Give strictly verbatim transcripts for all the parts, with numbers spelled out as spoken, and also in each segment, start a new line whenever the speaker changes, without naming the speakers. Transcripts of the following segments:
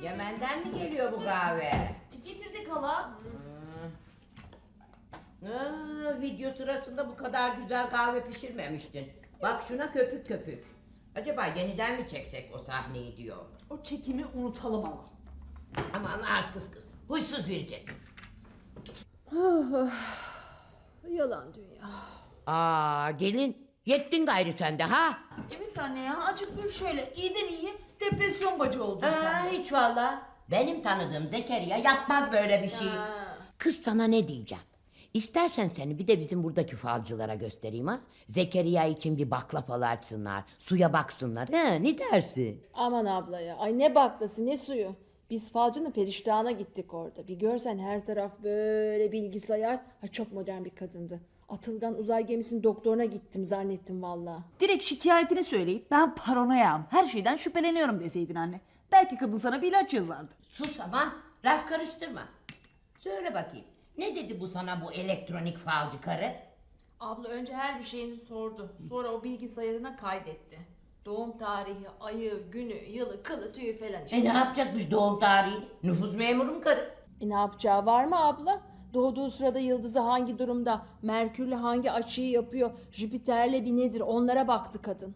Yemen'den mi geliyor bu kahve?
Getirdik hala.
Hmm. Aa, video sırasında bu kadar güzel kahve pişirmemiştin. Bak şuna köpük köpük. Acaba yeniden mi çeksek o sahneyi diyor.
O çekimi unutalım ama.
Aman arsız kız. Huysuz verecek.
Yalan dünya.
Aa gelin. Yettin gayrı sen de ha?
Evet anne ya, acık gül şöyle. İyiden iyi depresyon bacı oldun
Aa,
sen de.
hiç valla. Benim tanıdığım Zekeriya yapmaz böyle bir şey.
Ha.
Kız sana ne diyeceğim? İstersen seni bir de bizim buradaki falcılara göstereyim ha. Zekeriya için bir bakla falı açsınlar. Suya baksınlar. He, ne dersin?
Aman abla ya. Ay ne baklası ne suyu. Biz falcının periştahına gittik orada. Bir görsen her taraf böyle bilgisayar. Ay çok modern bir kadındı. Atılgan uzay gemisinin doktoruna gittim zannettim valla.
Direkt şikayetini söyleyip ben paranoyam, her şeyden şüpheleniyorum deseydin anne. Belki kadın sana bir ilaç yazardı.
Sus aman. Laf karıştırma. Söyle bakayım. Ne dedi bu sana bu elektronik falcı karı?
Abla önce her bir şeyini sordu. Sonra o bilgisayarına kaydetti. Doğum tarihi, ayı, günü, yılı, kılı, tüyü falan işte.
E ne yapacakmış doğum tarihini? Nüfus memuru mu karı?
E ne yapacağı var mı abla? Doğduğu sırada yıldızı hangi durumda, Merkür'le hangi açıyı yapıyor, Jüpiter'le bir nedir onlara baktı kadın.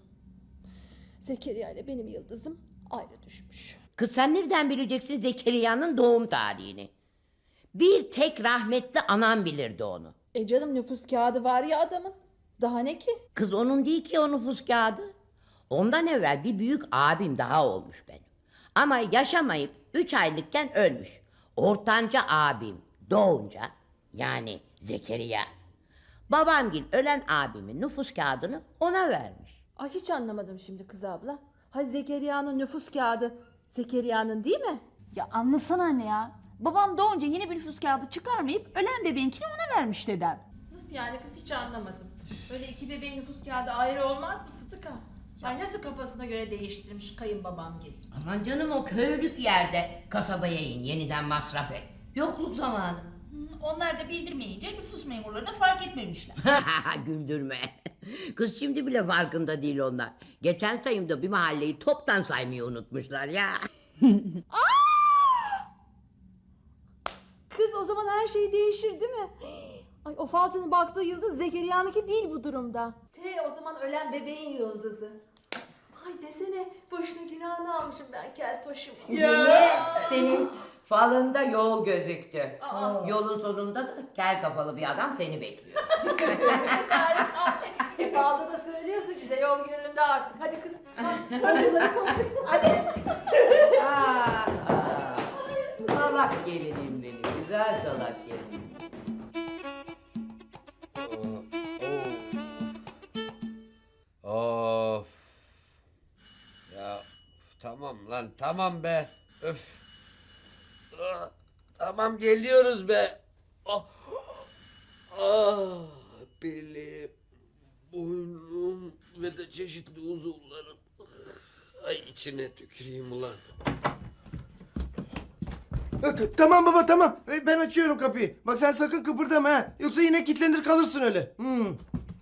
Zekeriya ile benim yıldızım ayrı düşmüş.
Kız sen nereden bileceksin Zekeriya'nın doğum tarihini? Bir tek rahmetli anam bilirdi onu.
E canım nüfus kağıdı var ya adamın. Daha ne ki?
Kız onun değil ki o nüfus kağıdı. Ondan evvel bir büyük abim daha olmuş benim. Ama yaşamayıp üç aylıkken ölmüş. Ortanca abim doğunca yani Zekeriya. Babamgil ölen abimin nüfus kağıdını ona vermiş.
Ay hiç anlamadım şimdi kız abla. Ha Zekeriya'nın nüfus kağıdı Zekeriya'nın değil mi?
Ya anlasana anne ya. Babam doğunca yeni bir nüfus kağıdı çıkarmayıp ölen bebeğinkini ona vermiş dedem.
Nasıl yani kız hiç anlamadım. Öyle iki bebeğin nüfus kağıdı ayrı olmaz mı Sıtıka? Ay nasıl kafasına göre değiştirmiş kayınbabamgil.
Aman canım o köylük yerde kasabaya in yeniden masraf et. Yokluk zamanı.
Onlar da bildirmeyince nüfus memurları da fark etmemişler.
Güldürme. Kız şimdi bile farkında değil onlar. Geçen sayımda bir mahalleyi toptan saymayı unutmuşlar ya.
Kız o zaman her şey değişir değil mi? Ay o falcının baktığı yıldız Zekeriya'nınki değil bu durumda. T o zaman ölen bebeğin yıldızı. Ay desene boşuna günahını almışım ben keltoşum.
Ya senin falında yol gözüktü.
Aa.
Yolun sonunda da kel kafalı bir adam seni bekliyor.
Falda da söylüyorsun bize yol gönlünde artık. Hadi kız. Hadi. Hadi.
Aa, aa. Salak gelinim benim, güzel salak gelinim.
Of. Ya tamam lan tamam be. Öf. Ah, tamam geliyoruz be. Ah. Ah, belim, boynum ve de çeşitli uzuvlarım. Ay içine tüküreyim ulan.
Tamam baba tamam. Ben açıyorum kapıyı. Bak sen sakın kıpırdama ha. Yoksa yine kilitlenir kalırsın öyle. Hmm.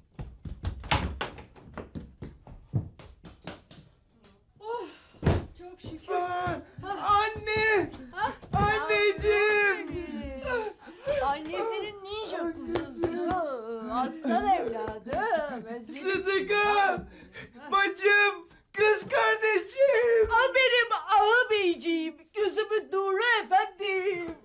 Çok şükür.
Aa, anne! Anneciğim!
Annesinin ninja kuzusu. Aslan evladım. Özledim.
Sıdıka! Bacım! Kız kardeşim!
Al benim ağabeyciğim, gözümün nuru efendim.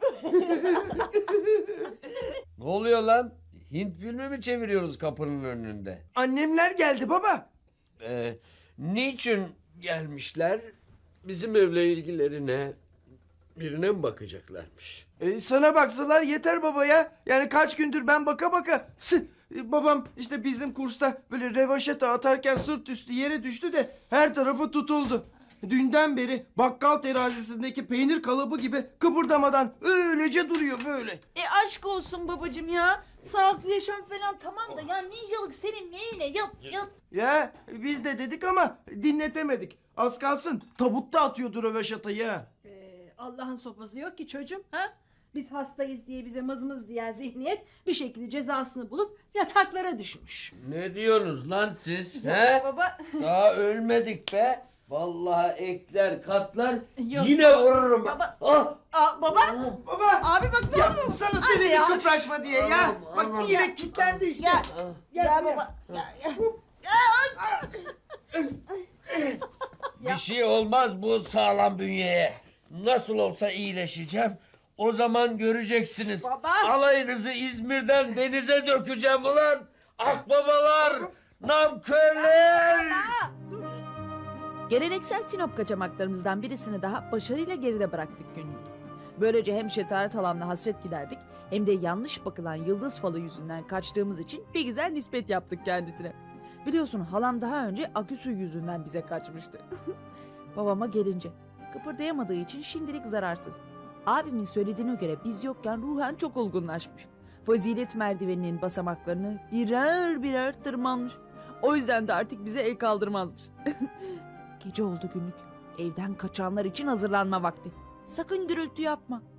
Ne oluyor lan? Hint filmi mi çeviriyoruz kapının önünde?
Annemler geldi baba.
Ee, niçin gelmişler? Bizim evle ilgilerine birine mi bakacaklarmış?
Ee, sana baksalar yeter baba ya. Yani kaç gündür ben baka baka. Sı- e, Babam işte bizim kursta böyle revaşata atarken sırt üstü yere düştü de her tarafı tutuldu. Dünden beri bakkal terazisindeki peynir kalıbı gibi kıpırdamadan öylece duruyor böyle.
E aşk olsun babacığım ya. Sağlıklı yaşam falan tamam da ya ninjalık senin neyine? Yat yat.
Ya biz de dedik ama dinletemedik. Az kalsın tabutta atıyordu röveşatayı ha.
Ee, Allah'ın sopası yok ki çocuğum. Ha? Biz hastayız diye bize mızmız diyen zihniyet bir şekilde cezasını bulup yataklara düşmüş.
Ne diyorsunuz lan siz? He?
Baba.
Daha ölmedik be. Vallahi ekler katlar
Yok.
yine vururum.
Baba.
Ah!
Aa, baba.
Baba.
Abi bak ne
Ya
oldu?
sana
Anne
söyledim
ya.
kıpraşma diye ya.
Aman,
Bak
aman.
yine kilitlendi işte.
Ya,
Gel
ya
buraya.
baba. Ya, ya.
Bir şey olmaz bu sağlam bünyeye. Nasıl olsa iyileşeceğim. O zaman göreceksiniz.
Baba.
Alayınızı İzmir'den denize dökeceğim ulan. Akbabalar, namkörler.
Geleneksel Sinop kaçamaklarımızdan birisini daha başarıyla geride bıraktık günlük. Böylece hem Şetaret halamla hasret giderdik hem de yanlış bakılan yıldız falı yüzünden kaçtığımız için bir güzel nispet yaptık kendisine. Biliyorsun halam daha önce aküsü yüzünden bize kaçmıştı. Babama gelince kıpırdayamadığı için şimdilik zararsız. Abimin söylediğine göre biz yokken ruhen çok olgunlaşmış. Fazilet merdiveninin basamaklarını birer birer tırmanmış. O yüzden de artık bize el kaldırmazmış. Gece oldu günlük. Evden kaçanlar için hazırlanma vakti. Sakın gürültü yapma.